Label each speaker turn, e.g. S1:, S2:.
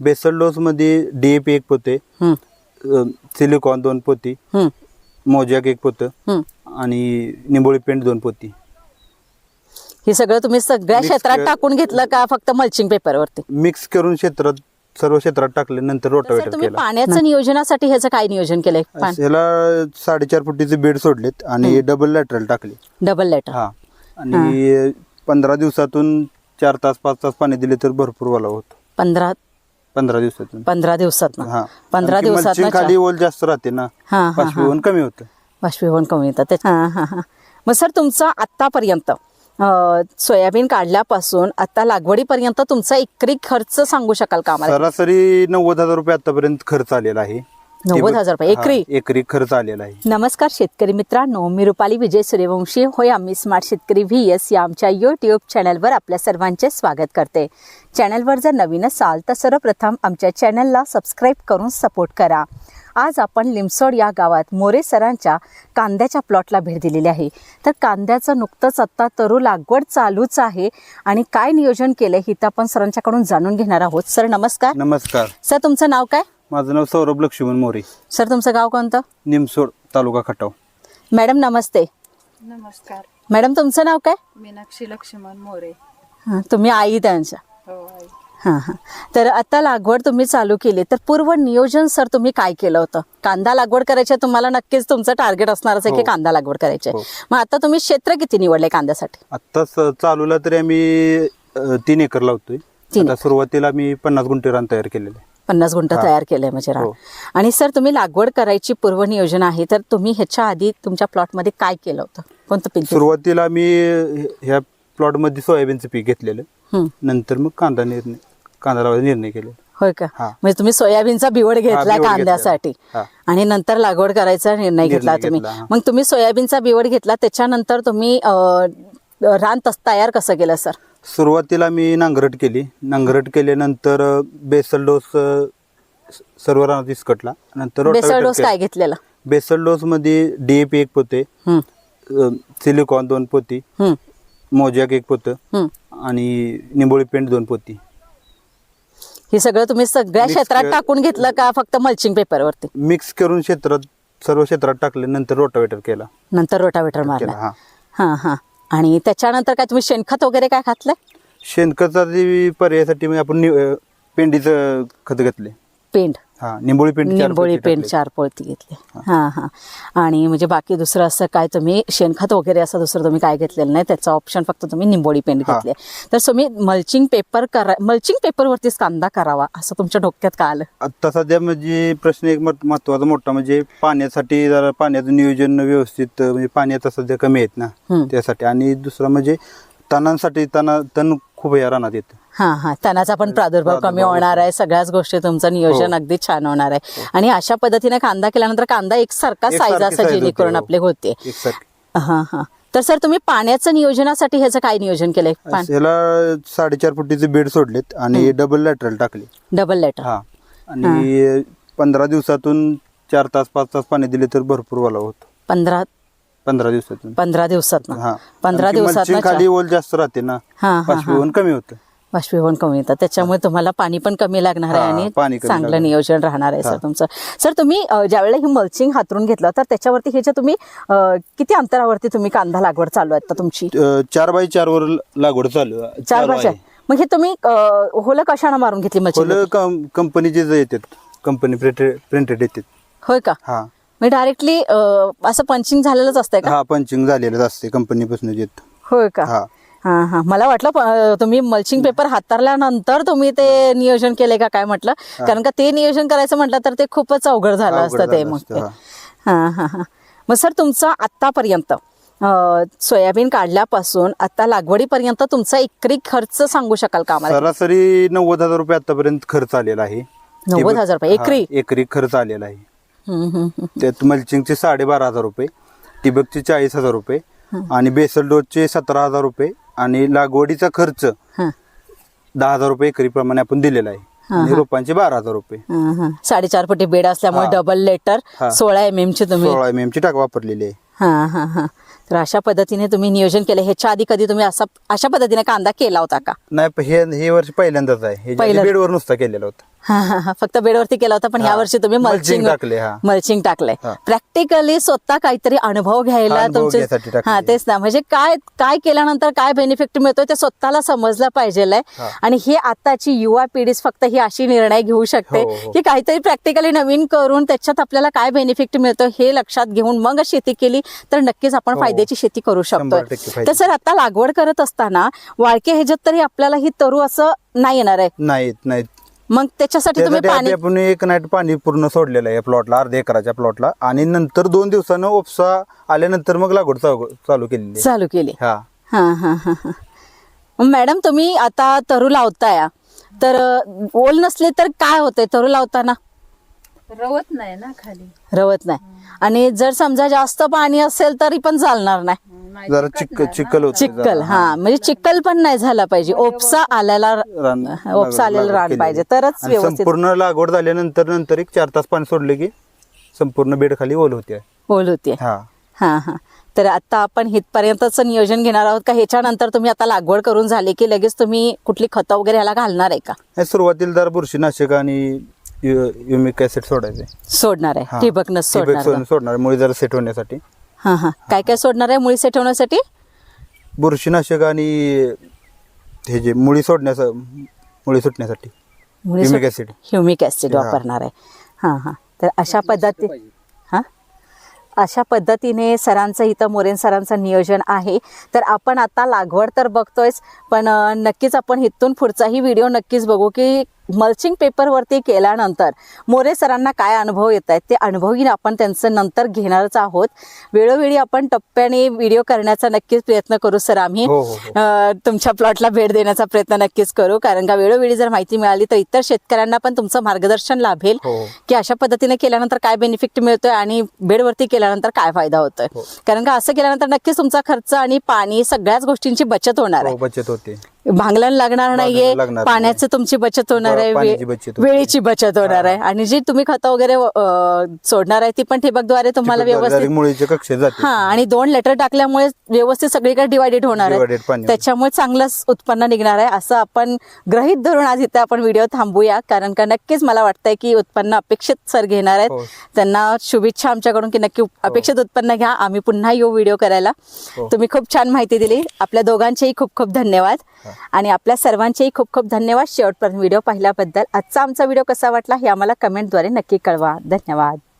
S1: Basal dose मध्ये DAP 1 पोते, silicon 2 पोती, मोजॅक 1 पोतं आणि निंबोळी पेंट 2 पोती.
S2: हे सगळं तुम्ही सगळ्या क्षेत्रात टाकून घेतलं का फक्त मल्चिंग पेपरवरती
S1: मिक्स करून सर्व क्षेत्रात टाकले. नंतर रोटावेटर
S2: तुम्ही
S1: केला.
S2: पाण्याचं नियोजनासाठी ह्याचं काय नियोजन केलंय?
S1: ह्याला 4.5 फुटीचे बेड सोडलेत आणि डबल लॅटरल टाकले.
S2: Double lateral.
S1: हा आणि 15 दिवसातून 4 तास 5 तास पाणी दिले तर भरपूर ओलावा होतो.
S2: 15
S1: दिवसातून
S2: 15 दिवसात
S1: हा
S2: 15 दिवसात
S1: खाली ओल जास्त राहते ना, बाष्पीभवन कमी होतं.
S2: बाष्पीभवन कमी येतं. मग सर तुमचं आतापर्यंत सोयाबीन काढल्यापासून आता लागवडीपर्यंत तुमचा एकरी खर्च सांगू शकाल का आम्हाला?
S1: सरासरी 90,000 रुपये आतापर्यंत खर्च आलेला आहे.
S2: 90,000 रुपये
S1: एकरी खर्च आलेला आहे.
S2: नमस्कार शेतकरी मित्रांनो, मी रुपाली विजय सूर्यवंशी होय आम्ही स्मार्ट शेतकरी VS या आमच्या YouTube चॅनलवर आपल्या सर्वांचे स्वागत करते. चॅनलवर जर नवीन असाल तर सर्वप्रथम आमच्या चॅनलला सबस्क्राईब करून सपोर्ट करा. आज आपण लिमसोड या गावात मोरे सरांच्या कांद्याच्या प्लॉटला भेट दिलेली आहे. तर कांद्याचं नुकतंच आत्ता तरू लागवड चालूच आहे आणि काय नियोजन केलंय हे तर आपण सरांच्याकडून जाणून घेणार आहोत. सर नमस्कार.
S1: नमस्कार
S2: सर तुमचं नाव काय?
S1: माझं नाव सौरभ लक्ष्मण मोरे.
S2: सर तुमचं गाव कोणतं?
S1: निमसोड तालुका खटाव.
S2: मॅडम नमस्ते.
S3: नमस्कार.
S2: मॅडम तुमचं नाव काय?
S3: मीनाक्षी लक्ष्मण मोरे.
S2: तुम्ही आई त्यांच्या?
S3: हो आई.
S2: हां. तर आता लागवड तुम्ही चालू केली तर पूर्व नियोजन सर तुम्ही काय केलं होतं? कांदा लागवड करायची तुम्हाला नक्कीच तुमचं टार्गेट असणारच आहे की कांदा लागवड करायची. मग आता तुम्ही क्षेत्र किती निवडले कांद्यासाठी?
S1: आता चालूला तरी आम्ही 3 एकर लावतोय. आता सुरुवातीला मी 50 गुंठे रान तयार केलेले.
S2: 50 गुंठ तयार केलंय म्हणजे रान. आणि सर तुम्ही लागवड करायची पूर्व नियोजन आहे तर तुम्ही ह्याच्या आधी तुमच्या प्लॉटमध्ये काय केलं होतं? कोणतं पीक?
S1: सुरुवातीला मी ह्या प्लॉट मध्ये सोयाबीनचं पीक घेतलेलं. नंतर मग कांदा लावायचा निर्णय केला.
S2: होय का? म्हणजे तुम्ही सोयाबीनचा बिवड घेतला कांद्यासाठी आणि नंतर लागवड करायचा निर्णय घेतला तुम्ही. मग तुम्ही सोयाबीनचा बिवड घेतला त्याच्यानंतर तुम्ही रान तयार कसं केलं सर?
S1: सुरुवातीला मी नांगरट केल्यानंतर बेसल डोस सर्व रानात इसकटला. नंतर
S2: बेसल डोस काय घेतलेला?
S1: बेसल डोस मध्ये DAP 1 पोते, सिलिकॉन 2 पोती, मोजॅक 1 पोतं आणि निंबोळी पेंट 2 पोती.
S2: हे सगळं तुम्ही सगळ्या क्षेत्रात टाकून घेतलं का फक्त मल्चिंग पेपरवरती?
S1: मिक्स करून सर्व क्षेत्रात टाकले. नंतर रोटावेटर केला.
S2: नंतर रोटावेटर मारला. हा. आणि त्याच्यानंतर काय तुम्ही शेणखत वगैरे काय घातलंय?
S1: शेणखताचा पर्यायासाठी आपण पेंडीचं खत घेतले.
S2: पेंड.
S1: निंबोळी पेंड
S2: 4 पोळती घेतली. हा. आणि म्हणजे बाकी दुसरं असं काय तुम्ही शेणखत वगैरे असं दुसरं तुम्ही काय घेतलेलं नाही, त्याचा ऑप्शन फक्त तुम्ही निंबोळी पेंड घेतले. तर तुम्ही मल्चिंग पेपरवरतीच कांदा करावा असं तुमच्या डोक्यात का आलं?
S1: आता सध्या म्हणजे प्रश्न एक महत्वाचा मोठा म्हणजे पाण्यासाठी जरा पाण्याचं नियोजन व्यवस्थित म्हणजे पाणी आता सध्या कमी आहेत ना त्यासाठी. आणि दुसरं म्हणजे तणांसाठी तण खूप या रानात येतं.
S2: हा. तणाचा पण प्रादुर्भाव कमी होणार आहे. सगळ्याच गोष्टी तुमचं नियोजन अगदी छान होणार आहे. आणि अशा पद्धतीने कांदा केल्यानंतर कांदा एकसारखा साईज असा जेणेकरून आपले होते. हा. तर सर तुम्ही पाण्याचं नियोजनासाठी ह्याचं काय नियोजन केलंय?
S1: ह्याला 4.5 फुटीचे बेड सोडलेत आणि डबल लॅटरल टाकले.
S2: Double lateral.
S1: आणि 15 दिवसातून 4 तास 5 तास पाणी दिले तर भरपूर ओलावा होतो.
S2: 15 दिवसात
S1: खाली ओल जास्त राहते ना, बाष्पीभवन कमी होतं.
S2: बाष्पीभवन कमी येतं त्याच्यामुळे तुम्हाला पाणी पण कमी लागणार आहे आणि चांगलं नियोजन राहणार आहे सर तुमचं. सर तुम्ही ज्यावेळेला ही मल्चिंग हातरून घेतलं तर त्याच्यावरती ह्याच्या तुम्ही किती अंतरावरती तुम्ही कांदा लागवड चालू आहे तुम्ही?
S1: 4x4 वर लागवड चालू आहे.
S2: 4x4. मग हे तुम्ही होलं कशाने मारून घेतली मल्चिंग?
S1: कंपनीचे जे येतात, कंपनी प्रिंटेड येतात.
S2: होय का?
S1: हा.
S2: मी डायरेक्टली असं पंचिंग झालेलंच असतंय का?
S1: पंचिंग झालेलंच असते कंपनीपासून येत.
S2: होय का? हा. मला वाटलं तुम्ही मल्चिंग पेपर हाताळल्यानंतर तुम्ही ते नियोजन केले का काय म्हटलं, कारण का ते नियोजन करायचं म्हटलं तर ते खूपच अवघड झालं असतं ते. मग हा. मग सर तुमचं आतापर्यंत सोयाबीन काढल्यापासून आता लागवडीपर्यंत तुमचा एकरी खर्च सांगू शकाल का आम्हाला?
S1: सरासरी 90,000 रुपये आतापर्यंत खर्च आलेला आहे.
S2: 90,000 रुपये
S1: एकरी खर्च आलेला आहे. त्यात मल्चिंगचे 12,500 रुपये, ठिबकचे 40,000 रुपये आणि बेसल डोसचे 17,000 रुपये आणि लागवडीचा खर्च 10,000 रुपये एकरी प्रमाणे आपण दिलेला आहे. आणि रोपांचे 12,000 रुपये.
S2: 4.5 फुटी बेड असल्यामुळे डबल लेटर 16 MM ची तुम्ही
S1: 16 MM ची टाक वापरलेली आहे.
S2: हा. तर अशा पद्धतीने तुम्ही नियोजन केलं. ह्याच्या आधी कधी तुम्ही अशा पद्धतीने कांदा केला होता का?
S1: नाही, हे वर्ष पहिल्यांदाच आहे. बेडवर नुसता केलेला होता.
S2: फक्त बेडवरती केला होता, पण
S1: हा.
S2: या वर्षी तुम्ही
S1: Mulching
S2: मल्चिंग
S1: टाकले, हा.
S2: मल्चिंग टाकलंय.
S1: हा.
S2: प्रॅक्टिकली स्वतः काहीतरी अनुभव घ्यायला
S1: अनुभव घ्यायसाठी टाकलंय.
S2: हा तेच ना, म्हणजे काय काय केल्यानंतर काय बेनिफिट मिळतोय ते स्वतःला समजलं पाहिजे.
S1: हा.
S2: आणि हे आताची युवा पिढी फक्त ही अशी निर्णय घेऊ शकते
S1: हो, हो.
S2: की काहीतरी प्रॅक्टिकली नवीन करून त्याच्यात आपल्याला काय बेनिफिट मिळतो हे लक्षात घेऊन मग शेती केली तर नक्कीच आपण
S1: हो.
S2: फायद्याची शेती करू शकतो.
S1: 100% फायदा.
S2: तर सर आता लागवड करत असताना वाळके ह्याच्यात तरी आपल्याला ही तरू असं नाही येणार आहे,
S1: नाहीत
S2: मग त्याच्यासाठी तुम्ही
S1: त्यासाठी
S2: पाणी
S1: आपण एक नाईट पाणी पूर्ण सोडलेलं आहे प्लॉटला, अर्ध्या एकराच्या प्लॉटला, आणि नंतर 2 दिवसानं उपसा आल्यानंतर मग लागवड चालू केलेली आहे.
S2: चालू केली.
S1: हा.
S2: हा हा हा हा. मॅडम तुम्ही आता तरू लावताय तर ओल नसले तर काय होतंय तरू लावताना?
S3: रवत नाही ना खाली.
S2: रवत नाही. आणि जर समजा जास्त पाणी असेल तरी पण चालणार नाही.
S3: नाही,
S1: जरा
S3: चिकटणार ना.
S1: चिखल होतं.
S2: चिक्कल, हा म्हणजे चिक्कल पण नाही झाला पाहिजे, ओपसा आलेला ओपसा आलेला
S1: लागवड
S2: रान
S1: केलेली.
S2: पाहिजे तरच
S1: आणि
S2: व्यवस्थित
S1: संपूर्ण लागवड झाल्यानंतर एक 4 तास पाणी सोडले की संपूर्ण बेड खाली ओल होते.
S2: ओल होते.
S1: हा.
S2: हा हा. तर आता आपण हितपर्यंतच नियोजन घेणार आहोत का ह्याच्यानंतर तुम्ही आता लागवड करून झाली की लगेच तुम्ही कुठली खतं वगैरे ह्याला घालणार आहे का?
S1: हे सुरुवातीला जर बुरशीनाशक आणि युमिक ऍसिड सोडायचे.
S2: सोडणार आहे,
S1: हा.
S2: ठिबकनं सोडणार आहे.
S1: सोडणार मुळी जरा सेट होण्यासाठी.
S2: हा हा. काय काय सोडणार आहे मुळी सेट होण्यासाठी?
S1: बुरशीनाशक आणि हे जे मुळी सुटण्यासाठी Humic acid.
S2: ह्युमिक ऍसिड
S1: हा.
S2: वापरणार आहे. हा हा. तर अशा पद्धतीने सरांचं इथं मोरेन सरांचं नियोजन आहे. तर आपण आता लागवड तर बघतोयच, पण नक्कीच आपण इथून पुढचाही व्हिडिओ नक्कीच बघू की मल्चिंग पेपरवरती केल्यानंतर मोरे सरांना काय अनुभव येत आहेत ते अनुभवही आपण त्यांचं नंतर घेणारच आहोत. वेळोवेळी आपण टप्प्याने व्हिडिओ करण्याचा नक्कीच प्रयत्न करू सर. आम्ही
S1: हो, हो,
S2: तुमच्या प्लॉटला भेट देण्याचा प्रयत्न नक्कीच करू, कारण का वेळोवेळी जर माहिती मिळाली तर इतर शेतकऱ्यांना पण तुमचं मार्गदर्शन लाभेल
S1: हो.
S2: की अशा पद्धतीने केल्यानंतर काय बेनिफिट मिळतोय आणि बेडवरती केल्यानंतर काय फायदा होतोय.
S1: हो.
S2: कारण का असं केल्यानंतर नक्कीच तुमचा खर्च आणि पाणी सगळ्याच गोष्टींची बचत होणार आहे.
S1: बचत होते.
S2: भांगलन लागणार नाहीये,
S1: लागणार
S2: पाण्याची तुमची बचत होणार आहे,
S1: पाण्याची बचत होते.
S2: वेळेची बचत होणार आहे, आणि जी तुम्ही खतं वगैरे सोडणार आहे ती पण ठिबकद्वारे तुम्हाला व्यवस्थित
S1: मुळीच्या कक्षेत जाते.
S2: हा, आणि 2 लेटर टाकल्यामुळे व्यवस्थित सगळीकडे डिवायडेड होणार आहे,
S1: Divided पाणी.
S2: त्याच्यामुळे चांगलंच उत्पन्न निघणार आहे असं आपण गृहीत धरून आज इथे आपण व्हिडिओ थांबूया. कारण का नक्कीच मला वाटतंय की उत्पन्न अपेक्षित सर घेणार आहेत.
S1: हो.
S2: त्यांना शुभेच्छा आमच्याकडून की नक्की अपेक्षित उत्पन्न घ्या. आम्ही पुन्हा येऊ व्हिडिओ करायला.
S1: हो.
S2: तुम्ही खूप छान माहिती दिली. आपल्या दोघांचेही खूप खूप धन्यवाद आणि आपल्या सर्वांचेही खूप खूप धन्यवाद शेवटपर्यंत व्हिडिओ पाहिल्याबद्दल. आजचा आमचा व्हिडिओ कसा वाटला हे आम्हाला कमेंटद्वारे नक्की कळवा. धन्यवाद.